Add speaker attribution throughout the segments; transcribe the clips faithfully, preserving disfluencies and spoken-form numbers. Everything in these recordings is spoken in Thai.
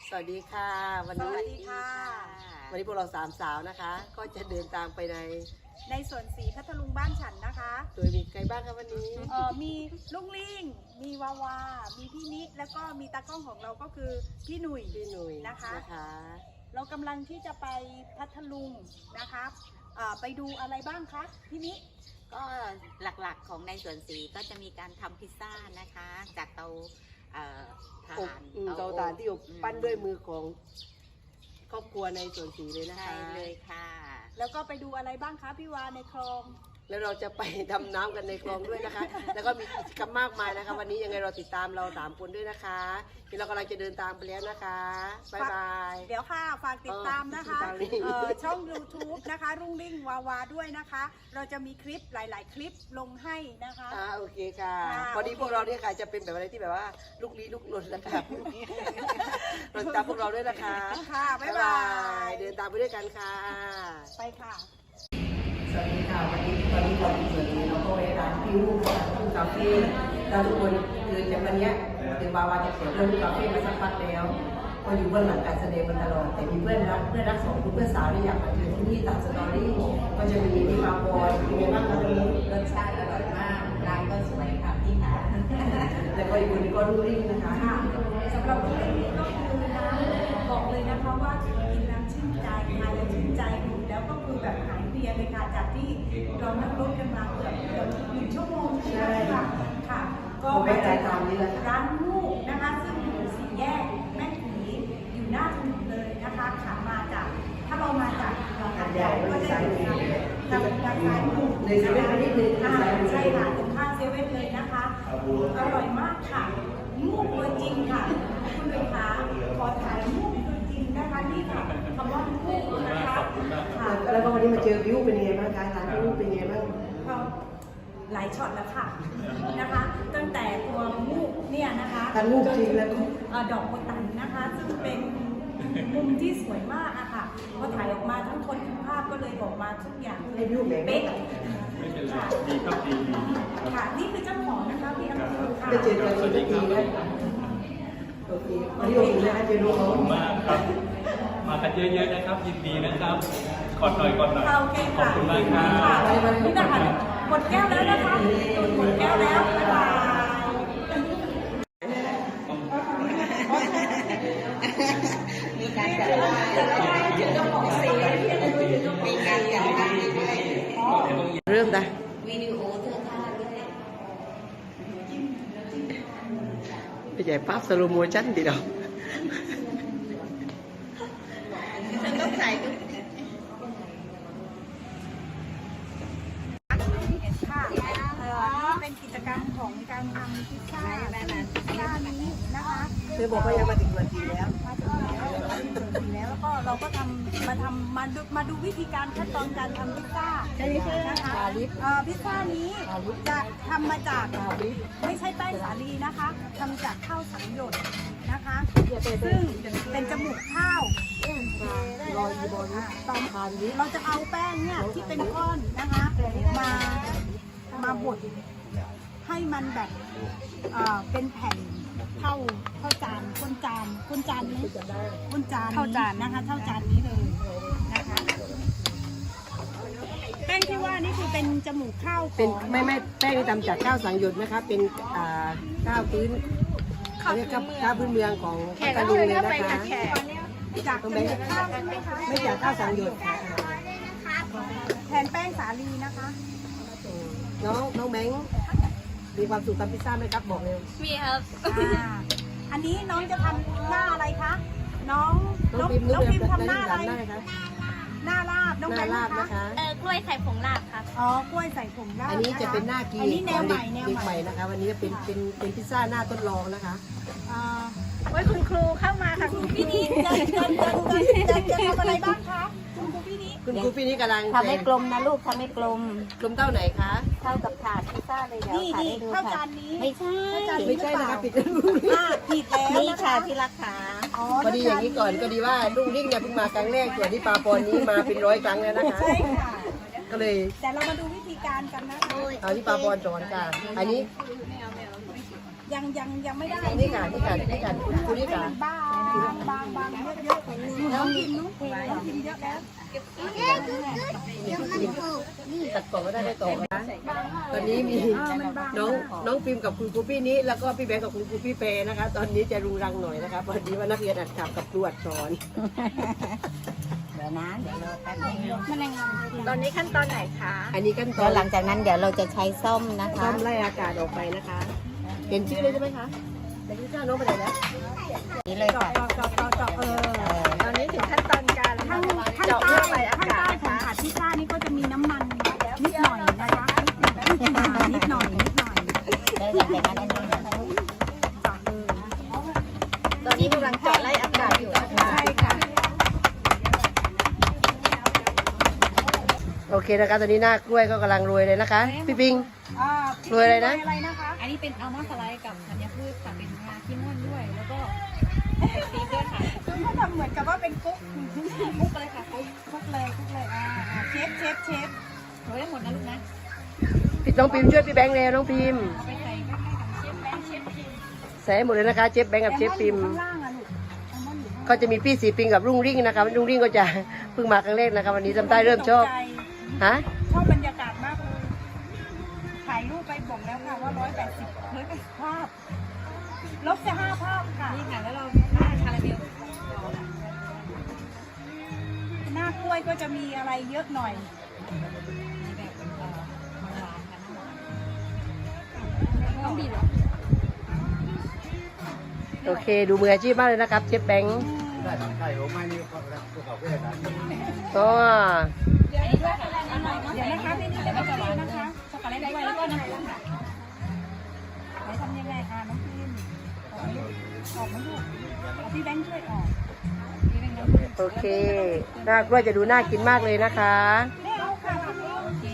Speaker 1: สวัสดีค่ะวันนี้
Speaker 2: สวัสดีค่ะ
Speaker 1: วันนี้พวกเราสามสาวนะคะ ก็จะเดินทางไปใน
Speaker 2: ในสวนสีพัทลุงบ้านฉันนะคะ
Speaker 1: โดยมีใครบ้างคะวันนี้
Speaker 2: เออมีลุงลิงมีวาวา มีพี่นิดแล้วก็มีตากล้องของเราก็คือพี่หนุ่ย
Speaker 1: พี่หนุ่ย
Speaker 2: นะคะ
Speaker 1: นะคะ
Speaker 2: เรากำลังที่จะไปพัทลุงนะคะเอ่อไปดูอะไรบ้างคะพี่นิด
Speaker 3: ก็หลักๆของในสวนสีก็จะมีการทำพิซซ่านะคะจากเตาเอ่อ
Speaker 1: อบ
Speaker 3: ถ่าน
Speaker 1: อืมเตาถ่านที่อบปั้นด้วยมือของครอบครัวในสวนสีเลยนะคะ
Speaker 3: ใช่เลยค่ะ
Speaker 2: แล้วก็ไปดูอะไรบ้างคะพี่วาในคลอง
Speaker 1: แล้วเราจะไปดำน้ำกันในคลองด้วยนะคะ แล้วก็มีกิจกรรมมากมายนะคะ วันนี้ยังไงเราติดตามเราสามคนด้วยนะคะที่เรากำลังจะเดินทางไปแล้วนะคะบ๊ายบาย
Speaker 2: เดี๋ยวค่ะฝากติดตามนะคะ
Speaker 1: เออติดตามนี่
Speaker 2: เอ่อช่อง ยูทูบ นะคะรุ่งริ่งวาวาด้วยนะคะ เราจะมีคลิปหลาย ๆ คลิปลงให้นะคะ
Speaker 1: อ่าโอเคค่ะ
Speaker 2: ค่ะ
Speaker 1: พอดีพวกเราเนี่ยค่ะจะเป็นแบบอะไรที่แบบว่าลูกลี้ลูกลนนะคะเราติดตามพวกเราด้วยนะคะ
Speaker 2: ค่ะบ๊ายบาย
Speaker 1: เดินตามไปด้วยกันค่ะ
Speaker 2: ไปค่ะ
Speaker 1: สวัสดีค่ะวันนี้ตอนนี้เราอยู่ส่วนนี้เราก็ไปร้านพี่ลูกของลูกคาเฟ่เราทุกคนคือจากวันนี้ถึงบาวาจะเปิดเรื่องลูกคาเฟ่มาสักพักแล้วก็อยู่เบื้องหลังการแสดงมาตลอดแต่มีเพื่อนรักเพื่อนรักสองคนเพื่อนสาวที่อยากมาเจอที่นี่ตามสตอรี่ก็จะมีพี่มาบอยเป็นไงบ้างคะวันนี้
Speaker 3: รสชาติอร่อยมากร้านก็สวยค่ะพี่ค่ะ
Speaker 1: แล้วก็อีกคนนึงก็ลูกริ่งนะคะ
Speaker 2: ค่ะสำหรับวันนี้ก็คือนะบอกเลยนะคะว่ากินน้ำชื่นใจทานแล้วชื่นใจอยู่แล้วก็คือแบบหายเพลียเลยค่ะจากที่เรานั่งรถกันมาเกือบเกือบหนึ่งชั่วโมงใช่ไหมคะค่ะก็ไปเจอร้านลูกนะคะซึ่งอยู่สี่แยกแม่ผีอยู่หน้าถนนเลยนะคะขามาจากถ้าเรามาจากหาดใหญ่ก็จะอยู่ทางทางทางซ้ายมือ
Speaker 1: ในเซเว่นนิดนึง
Speaker 2: อ่าใช่ค่ะตรงข้างเซเว่นเลยนะคะอร่อยมากค่ะมูกตัวจริงค่ะคุณลูกค้าขอถ่ายมูกตัวจริงนะคะนี่ค่ะคำว่ามูกนะคะค่ะ
Speaker 1: แล้วก็วันนี้มาเจอบิวเป็นยังไงบ้างคะร้านพี่ลูกเป็นยังไงบ้าง
Speaker 2: ก็หลายช็อตแล้วค่ะนะคะ ตั้งแต่ตัวมูกเนี่ยนะคะ
Speaker 1: การลูกจริงแล้วก็
Speaker 2: เอ่อดอกโบตันนะคะ ซึ่งเป็นมุมที่สวยมากอะค่ะพอถ่ายออกมาทั้งคนทั้งภาพก็เลยออกมาทุกอย่างเลยเป๊ะ
Speaker 4: ไม่เป็นไรดีครับดีดีครับ
Speaker 2: ค่ะนี่คือเจ้าของนะคะพี่อัมพูค่ะ
Speaker 1: ได้เจอกันสักทีนะโอเควันนี้โอเคนะคะเจอน้อง
Speaker 4: ขอบคุณมากครับ มากันเยอะๆนะครับ ยินดีนะครับกดหน่อยกดหน่อย
Speaker 2: ค่ะโอเค
Speaker 4: ขอบ
Speaker 2: ค่ะ
Speaker 4: คุณมากครั
Speaker 2: ค่ะ
Speaker 4: บ
Speaker 2: นี่นะคะหมดแก้วแล้วนะคะหมดแก้วแล้วบ๊ายบาย
Speaker 3: มีการจัดร้านถึงเจ้าของสีมีการจัดร้านด้วย
Speaker 1: เริ่มได้
Speaker 3: วิดีโอเธอท่าด้วย
Speaker 1: ไปใหญ่ปั๊บสโลโมชั่นดีดอก
Speaker 3: ฉันต้องใส่ด้วย
Speaker 2: ค่ะเอ่อนี่เป็นกิจกรรมของการทำพิซซ่าพิซซ่านี้นะคะ
Speaker 1: เธอบอกว่ายังมาถึงวันทีแล้ว
Speaker 2: มาถึงแล้วมาถึงแล้วแล้วก็เราก็ทำมาทำมาดูมาดูวิธีการขั้นตอนการทำพิซซ่านะคะเอ่อพิซซ่านี้จะทำมาจากไม่ใช่แป้งสาลีนะคะทำจากข้าวสังหยดนะคะซึ่งเป็นจมูกข้าว
Speaker 1: รออยู่บนตามทานนี้
Speaker 2: เราจะเอาแป้งเนี่ยที่เป็นก้อนนะคะมามาบดให้มันแบบเอ่อเป็นแผ่นเท่าเท่าจานก้นจานก้นจานนี้ก้นจานเท่าจานนะคะเท่าจานนี้เลยนะคะแป้งที่ว่านี่คือเป็นจมูกข้าวข
Speaker 1: เป็น
Speaker 2: อง
Speaker 1: ไม่ไม่แป้งที่ทำจากข้าวสังหยดนะคะ เป็นอ่าข้าวพื้นเขาเรียกข้าวพื้นเมืองของพัทลุงเลยนะคะ
Speaker 2: จากจมูกข้าวใช่ไหมคะ
Speaker 1: ไม่จากข้าวสังหยดค่ะ
Speaker 2: แทนแป้งสาลีนะคะ
Speaker 1: น้องน้องแบงค์มีความสุขทำพิซซ่าไหมครับบอกเร็ว
Speaker 3: มีครับ
Speaker 2: อ่าอันนี้น้องจะทำหน้าอะไรคะน้อง
Speaker 1: น้องพิมพ์
Speaker 2: น้องพิมพ์
Speaker 1: นึก
Speaker 2: ทำหน้าอะไร
Speaker 1: ได้คะ
Speaker 2: หน้าลาบน้อง
Speaker 1: ห
Speaker 2: แบ
Speaker 1: น้าง
Speaker 2: ค์
Speaker 1: ลาบ
Speaker 2: นะ
Speaker 1: นะคะ คะ
Speaker 3: เออกล้วยไข่ผงลาบครับ
Speaker 2: อ๋อกล้วยใส่ผงลาบ
Speaker 1: อันนี้จะเป็นหน้ากี
Speaker 2: อันนี้แนวใหม่แนว
Speaker 1: เด็ก
Speaker 2: ให
Speaker 1: ให
Speaker 2: ม่
Speaker 1: ม่นะคะ วันนี้เป็นเป็นเป็นพิซซ่าหน้าทดลองนะคะ
Speaker 2: อ่า
Speaker 3: ไว้คุณครูเข้ามาค่ะ
Speaker 2: คุณพี่นี้จะจะจะจะจะจะทำอะไรบ้างคะคุณครูพี่นี้
Speaker 1: คุณครูพี่นี่กำลัง
Speaker 3: ทำให้กลมนะลูกทำให้กลม
Speaker 1: กลมเต้าไหนคะ
Speaker 3: เท่ากับถาดพิซซ่าเลยเดี๋ยว
Speaker 2: นี่
Speaker 3: ถ่าย
Speaker 2: นี่
Speaker 3: ให้ดู
Speaker 2: ข้าว
Speaker 3: ค่ะ
Speaker 2: จานนี้
Speaker 3: ไม่ใช่
Speaker 1: ไม่ใช่นะคะปิด
Speaker 2: อ่าผิดแล้ว
Speaker 3: นี่
Speaker 2: นะ
Speaker 3: ค่ะ
Speaker 2: คะ
Speaker 3: ที่รักขา
Speaker 2: อ๋อ
Speaker 1: พอดีอย่างนี้ก่อนก็ดีว่าลุงริ่งเนี่ยเพิ่งมาครั้งแรกส่วนที่ปาปอนนี้มาเป็นร้อยครั้งแล้วนะคะ
Speaker 2: ใช่ค่ะ
Speaker 1: ก็เลย
Speaker 2: แต่เรามาดูวิธีการกันนะคะ
Speaker 1: เอาที่ปาปอนสอนค่ะ อันนี้
Speaker 2: ยังยังยังไม่ได้
Speaker 1: นี่ค่ะนี่ค่ะนี่ค่ะคุณคุณนี่ค่ะ
Speaker 2: บ้านบางบางเยอะๆน้องกินน้องกินเยอะแล้ว
Speaker 1: ตัดต่อก็ได้ได้ต่อนะตอนนี้มีน้องน้องฟิล์มกับคุณครูพี่นี้แล้วก็พี่แบงค์กับคุณครูพี่เปนะคะ ตอนนี้จะรุงรังหน่อยนะคะพอดีว่านักเรียนอัดขับกับครูอัดสอน
Speaker 3: เดี๋ยวนะเดี๋ยวเราแป๊บนึง
Speaker 2: ตอนนี้ขั้นตอนไหนคะ
Speaker 1: อันนี้กันตอ
Speaker 3: แล้ว
Speaker 1: น
Speaker 3: หลังจากนั้นเดี๋ยวเราจะใช้ส้มนะคะ
Speaker 1: ต้มไล่อากาศออกไปนะคะ เห็นชื่อเลยใช่ไหมคะแต่ชื่อเจ้าน้องไปไหนแล้ว
Speaker 3: นี่เลยค่ะ
Speaker 2: เจาะเจาะเจาะเจาะเออ
Speaker 3: เออ
Speaker 2: ตอนนี้ถึงขั้นตอนการขั้นขั้นใต้ขั้นใต้ของผัดพิซซ่านี่ก็จะมีน้ำมันนิดหน่อยนะคะนิดหน่อยนิดหน่อยนิดหน่อย
Speaker 3: แล้วหลังจากนั้นอันนี้นะคะ
Speaker 2: ตอนนี้กำลังเจาะไล่อากาศอยู่นะคะใช่ค่ะ
Speaker 1: โอเคนะคะ ตอนนี้หน้ากล้วยก็กำลังโรยเลยนะคะ พี่ปิง
Speaker 2: อ่า
Speaker 1: โรยอะไรนะ
Speaker 2: อะไรนะคะ
Speaker 5: อันนี้เป็นอัลมอนด์สไลด์กับธัญพืชค่ะเป็นงาขี้ม่อนด้วย แล้วก็ไอซีด้วยค่ะ
Speaker 2: คือเขาทำเหมือนกับว่าเป็นกุ๊ก
Speaker 5: คลุกเลยค่ะคลุก
Speaker 2: กุ๊กเลยกุ๊กเลยอ่าอ่าเชฟเชฟเชฟ
Speaker 5: โรยได้หมดนะลูกนะ
Speaker 1: พี่น้องพิมพ์ช่วยพี่แบงค์เร็วน้องพิมพ์
Speaker 5: เอาไปใส่ใกล้ๆกับเชฟแบงค์เชฟพิม
Speaker 1: ใส่ให้หมดเลยนะคะเชฟแบงค์กับเชฟพิมพ์
Speaker 2: ข้างล่างอะลูกแอลมอนด์อยู่ข้างล่าง
Speaker 1: ก็จะมีพี่สีปิงกับรุ่งริ่งนะคะรุ่งริ่งก็จะ เพิ่งมาครั้งแรกนะคะวันนี้ทำใต้เริ่มชอบ
Speaker 2: ตกใจ
Speaker 1: ฮะ
Speaker 2: ชอบบรรยากาศมากเลย ถ่ายรูปไปบอกแล้วค่ะว่าร้อยแปดสิบร้อยแปดสิบภาพ ลบจะห้าภาพค่ะ
Speaker 5: นี่ค่ะแล้วเราหน้าคาราเมล
Speaker 2: หน้ากล้วยก็จะมีอะไรเยอะหน่อย
Speaker 5: มีแบบเอ่อหวานๆค่ะต้องบีบเหรอ
Speaker 1: โอเค ดูมืออาชีพมากเลยนะครับเชฟแบงค์
Speaker 6: ได้ทำไข่โอ้ไม่นี่เขาเขาเขาเพื่อนกัน
Speaker 1: ก็
Speaker 5: เดี๋ยวนี้ด้วยค่ะอันไหนเนาะ
Speaker 2: เดี๋ยวนะคะพี่นี่จะมาสอนนะคะ
Speaker 5: ช็อกโกแลตด้วยแล้วก็น้ำผึ้งค่ะ
Speaker 2: ไหนทำยังไงอ่ะน้องพิมออกมาลูกออกมาลูกเอาพี่แบงค์ช่วยออก
Speaker 5: นี่เป็นน้ำผึ้ง
Speaker 1: โอเคหน้ากล้วยจะดูน่ากินมากเลยนะคะ
Speaker 2: ไม่เอาค่ะพี่
Speaker 5: โอเค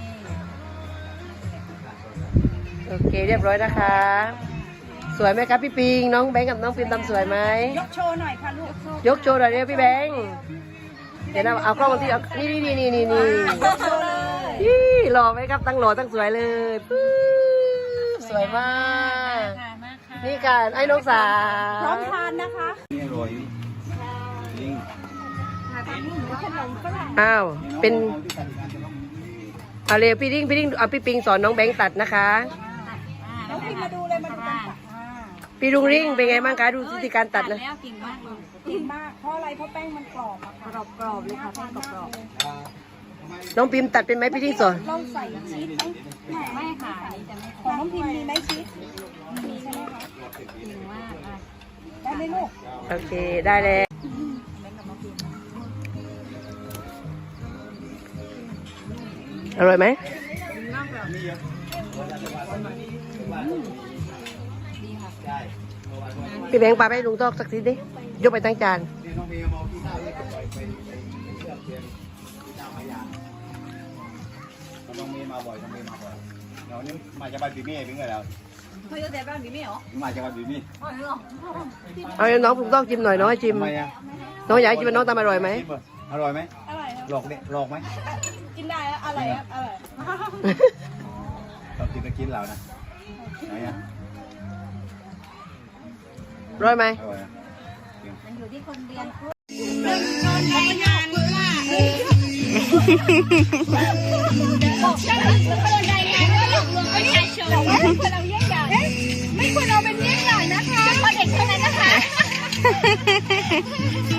Speaker 1: โอเคเรียบร้อยนะคะ สวยไหมครับพี่ปิงน้องแบงค์กับน้องฟิล์มทำสวยไหม
Speaker 2: ยกโชว์หน่อยค่ะลูก
Speaker 1: ยกโชว์หน่อยเร็วพี่แบงค์เดี๋ยวนะเอากล้องมาที่เอานี่นี่นี่นี่นี่นี่
Speaker 2: ยกโชว์เลย
Speaker 1: ยี่หล่อไหมครับตั้งหล่อตั้งสวยเลยปื๊บสวยมาก
Speaker 5: ค่ะมากค่ะ
Speaker 1: นี่ค่ะไอ้น้องสา
Speaker 2: พร้อมทานนะคะ
Speaker 6: นี่อร่อยจริง
Speaker 1: อ้าวเป็น
Speaker 6: เอาที่กันกันจะต้อง
Speaker 1: เอาเร็วพี่ดิ้งพี่ดิ้งเอาพี่ปิงสอนน้องแบงค์ตัดนะคะ
Speaker 2: น้องพิมมาดูเลยมาดูกันค่ะอ่า
Speaker 1: พี่รุ่งริ่งเป็นไงบ้างคะดูวิธีการตัดนะ
Speaker 5: แล้วเก่งมากเลย
Speaker 2: ดีมาก เพราะอะไร เพราะแป้งมันกรอบอะค่ะ
Speaker 5: กรอบๆเลยค่ะแป้งกรอบ
Speaker 1: น้องพิมพ์ตัดเป็นไหมพี่ดิ้งสอน
Speaker 2: เราใส่ชีสไหม
Speaker 5: ๆไม่ค่ะอันนี้จะไม่
Speaker 2: ของน้องพิมมีไหมชีสมีใช่ไหมคะ
Speaker 5: เก่งมากอ่ะ
Speaker 2: ได้ไหมลูก
Speaker 1: โอเคได้แล้วอร่อยไหมพี่แบงค์ปาไปให้ลุงตอกสักทีดิยกไปตั้งจาน
Speaker 6: นี่น้องเมย์มองที่หน้าเลยไปไปไปเชื่อมเทียนที่หน้ามายาน้องเมย์มาบ่อยน้องเมย์มาบ่อยเดี๋ยวนี้มาจากบ้านบีมี่เป็นไงแล้ว
Speaker 5: เฮ้ยแต่บ้านนี้ไม่เหรอ
Speaker 6: มาจากบ้านบีมี่
Speaker 5: อ๋อเหรอ
Speaker 1: เอาให้น้องลุงตอกจิ้มหน่อยน้องให้จิ้ม
Speaker 6: ทำไมอ่ะ
Speaker 1: น้องอยากให้จิ้มว่าน้องทำอร่อยไหม
Speaker 6: อร่อยไหม
Speaker 2: อร่อยครับ
Speaker 6: หลอกเนี่ยหลอกไหม
Speaker 2: กินได้อะอร่อยครับอร่อย
Speaker 6: เรากินก็กินแล้วนะไหนอ่ะ
Speaker 1: อร่อยไหม
Speaker 6: อร่อยอ่ะ
Speaker 5: มันอยู่ที่คนเรียน
Speaker 2: ไม่ควรเอาเป็นเยี่ยงอย่างนะคะเพราะเด็กเท่านั้นนะคะ